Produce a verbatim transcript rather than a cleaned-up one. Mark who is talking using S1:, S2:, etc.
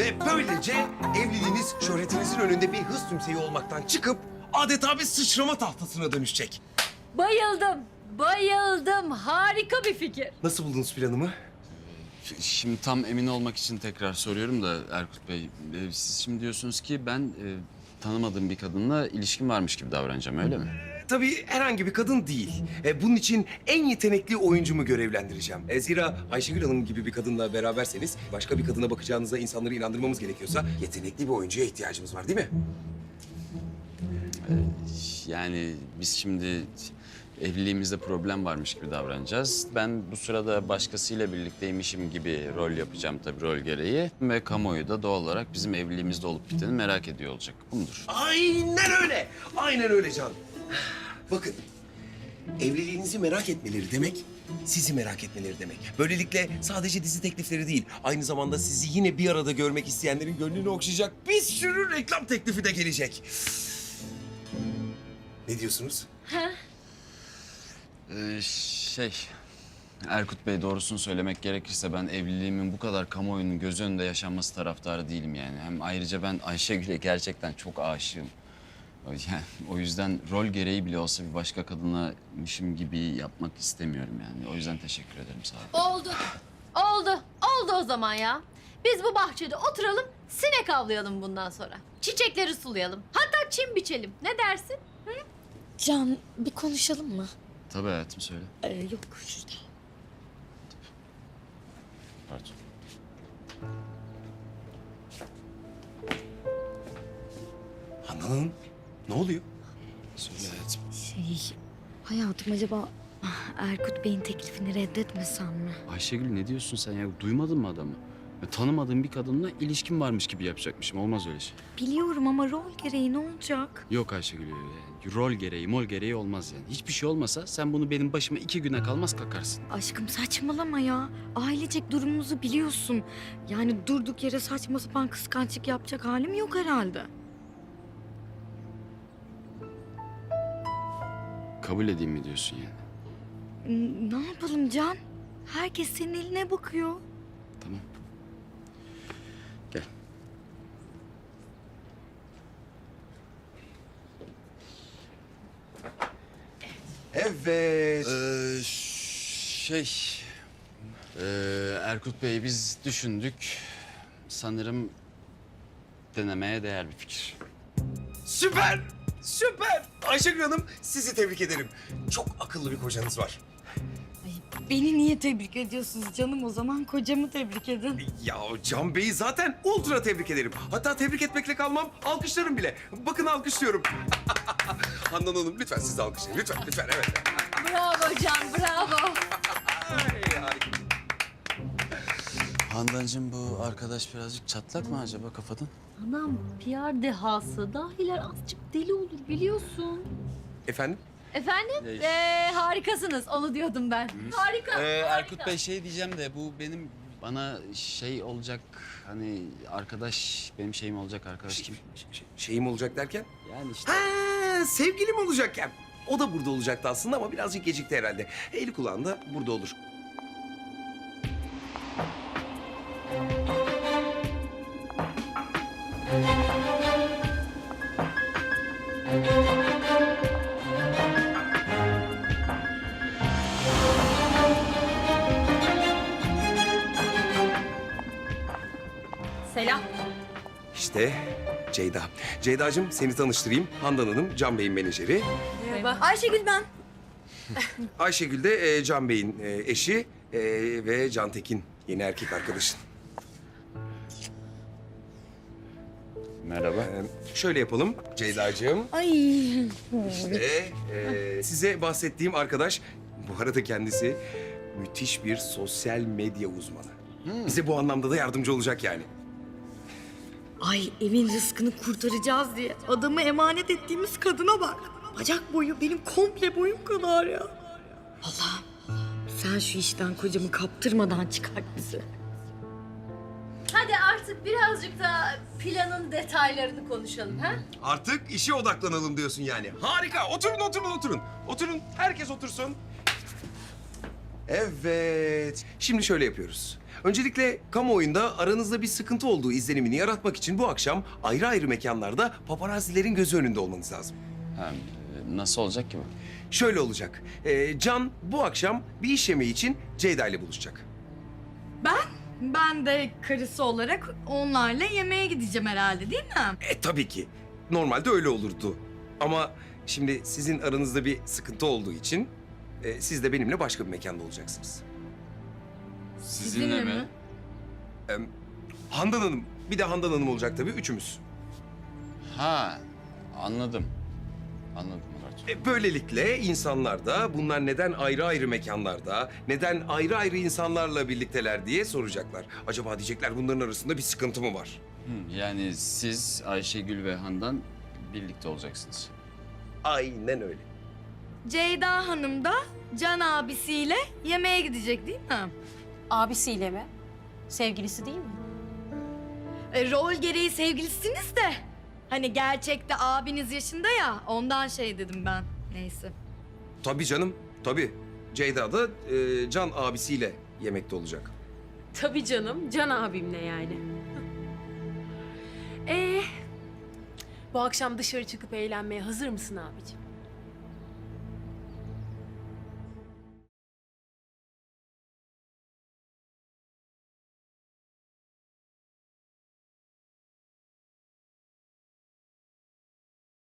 S1: Ve böylece evliliğiniz şöhretinizin önünde bir hız tümseyi olmaktan çıkıp adeta bir sıçrama tahtasına dönüşecek.
S2: Bayıldım, bayıldım. Harika bir fikir.
S1: Nasıl buldunuz planımı?
S3: Şimdi tam emin olmak için tekrar soruyorum da Erkut Bey. e, Siz şimdi diyorsunuz ki ben e, tanımadığım bir kadınla ilişkim varmış gibi davranacağım, öyle mi?
S1: Tabii herhangi bir kadın değil. E, bunun için en yetenekli oyuncumu görevlendireceğim. E, zira Ayşegül Hanım gibi bir kadınla beraberseniz başka bir kadına bakacağınıza insanları inandırmamız gerekiyorsa yetenekli bir oyuncuya ihtiyacımız var değil mi?
S3: Yani biz şimdi evliliğimizde problem varmış gibi davranacağız. Ben bu sırada başkasıyla birlikteymişim gibi rol yapacağım tabii rol gereği. Ve kamuoyu da doğal olarak bizim evliliğimizde olup biteni merak ediyor olacak. Bu mudur?
S1: Aynen öyle. Aynen öyle Can. Bakın, evliliğinizi merak etmeleri demek, sizi merak etmeleri demek. Böylelikle sadece dizi teklifleri değil, aynı zamanda sizi yine bir arada görmek isteyenlerin gönlünü okşayacak bir sürü reklam teklifi de gelecek. Ne diyorsunuz?
S3: Ee, şey, Erkut Bey doğrusunu söylemek gerekirse ben evliliğimin bu kadar kamuoyunun göz önünde yaşanması taraftarı değilim yani. Hem ayrıca ben Ayşegül'e gerçekten çok aşığım. Yani o yüzden rol gereği bile olsa bir başka kadınlamışım gibi yapmak istemiyorum yani. O yüzden teşekkür ederim, sağ olun.
S2: Oldu, oldu, oldu o zaman ya. Biz bu bahçede oturalım, sinek avlayalım bundan sonra. Çiçekleri sulayalım, hatta çim biçelim. Ne dersin?
S4: Can, bir konuşalım mı?
S3: Tabii hayatım, söyle.
S4: Ee, yok şurada.
S3: Pardon.
S1: Handan Hanım, ne oluyor? Söyle hayatım.
S4: Şey, hayatım acaba ah, Erkut Bey'in teklifini reddetmesem mi?
S3: Ayşegül ne diyorsun sen ya? Duymadın mı adamı? Ya, tanımadığım bir kadınla ilişkim varmış gibi yapacakmışım. Olmaz öyle şey.
S4: Biliyorum ama rol gereği ne olacak?
S3: Yok Ayşegül öyle. Rol gereği, mol gereği olmaz yani. Hiçbir şey olmasa sen bunu benim başıma iki güne kalmaz kakarsın.
S4: Aşkım saçmalama ya. Ailecek durumumuzu biliyorsun. Yani durduk yere saçma sapan kıskançlık yapacak halim yok herhalde.
S3: Kabul edeyim mi diyorsun yani?
S4: N- Ne yapalım Can? Herkes senin eline bakıyor.
S3: Tamam. Gel.
S1: Evet.
S3: Ee, şey... Ee, Erkut Bey biz düşündük. Sanırım denemeye değer bir fikir.
S1: Süper, süper. Ayşegül Hanım, sizi tebrik ederim. Çok akıllı bir kocanız var.
S4: Beni niye tebrik ediyorsunuz canım? O zaman kocamı tebrik edin.
S1: Ya Can Bey'i zaten ultra tebrik ederim. Hatta tebrik etmekle kalmam, alkışlarım bile. Bakın alkışlıyorum. Handan Hanım lütfen siz de alkışlayın. Lütfen, lütfen evet.
S2: Bravo Can, bravo.
S1: Ay, harika.
S3: Handancığım bu arkadaş birazcık çatlak mı acaba kafadan?
S2: Anam P R dehası, dahiler azıcık deli olur biliyorsun.
S1: Efendim?
S2: Efendim?
S3: Leş.
S2: Ee, harikasınız, onu diyordum ben. Harika,
S3: Ee,
S2: harika.
S3: Erkut Bey şey diyeceğim de bu benim bana şey olacak hani arkadaş benim şeyim olacak arkadaş kim?
S1: Şey- şeyim olacak derken?
S3: Yani işte
S1: Ha, sevgilim olacakken. O da burada olacaktı aslında ama birazcık gecikti herhalde. Eli kulağında burada olur.
S2: Selam.
S1: İşte Ceyda. Ceyda'cığım seni tanıştırayım. Handan Hanım, Can Bey'in menajeri.
S2: Merhaba.
S4: Ayşegül ben.
S1: Ayşegül de e, Can Bey'in e, eşi e, ve Can Tekin yeni erkek arkadaşın.
S3: merhaba.
S1: E, şöyle yapalım Ceyda'cığım.
S4: Ay.
S1: İşte e, size bahsettiğim arkadaş bu arada kendisi müthiş bir sosyal medya uzmanı. Bize bu anlamda da yardımcı olacak yani.
S4: Ay evin rızkını kurtaracağız diye adamı emanet ettiğimiz kadına bak. Bacak boyu benim komple boyum kadar ya. Allah'ım sen şu işten kocamı kaptırmadan çıkart bizi.
S2: Hadi artık birazcık da planın detaylarını konuşalım ha?
S1: Artık işe odaklanalım diyorsun yani. Harika. Oturun, oturun, oturun. Oturun. Herkes otursun. Evet. Şimdi şöyle yapıyoruz. Öncelikle kamuoyunda aranızda bir sıkıntı olduğu izlenimini yaratmak için bu akşam ayrı ayrı mekanlarda paparazzilerin gözü önünde olmanız lazım.
S3: Ha, e, nasıl olacak ki bu?
S1: Şöyle olacak. Ee, Can bu akşam bir iş yemeği için Ceyda ile buluşacak.
S4: Ben? Ben de karısı olarak onlarla yemeğe gideceğim herhalde değil mi?
S1: E tabii ki. Normalde öyle olurdu. Ama şimdi sizin aranızda bir sıkıntı olduğu için e, siz de benimle başka bir mekanda olacaksınız.
S3: Sizinle mi?
S1: Ee, Handan Hanım, bir de Handan Hanım olacak tabii, üçümüz.
S3: Ha, anladım. Anladım Murat.
S1: E, böylelikle insanlar da bunlar neden ayrı ayrı mekanlarda, neden ayrı ayrı insanlarla birlikteler diye soracaklar. Acaba diyecekler bunların arasında bir sıkıntı mı var?
S3: Hı, yani siz Ayşegül ve Handan birlikte olacaksınız.
S1: Aynen öyle.
S4: Ceyda Hanım da Can abisiyle yemeğe gidecek değil mi?
S5: Abisiyle mi? Sevgilisi değil mi?
S4: E, rol gereği sevgilisiniz de. Hani gerçekte abiniz yaşında ya ondan şey dedim ben. Neyse.
S1: Tabii canım, tabii. Ceyda da e, Can abisiyle yemekte olacak.
S6: Tabii canım, Can abimle yani. Ee, bu akşam dışarı çıkıp eğlenmeye hazır mısın abicim?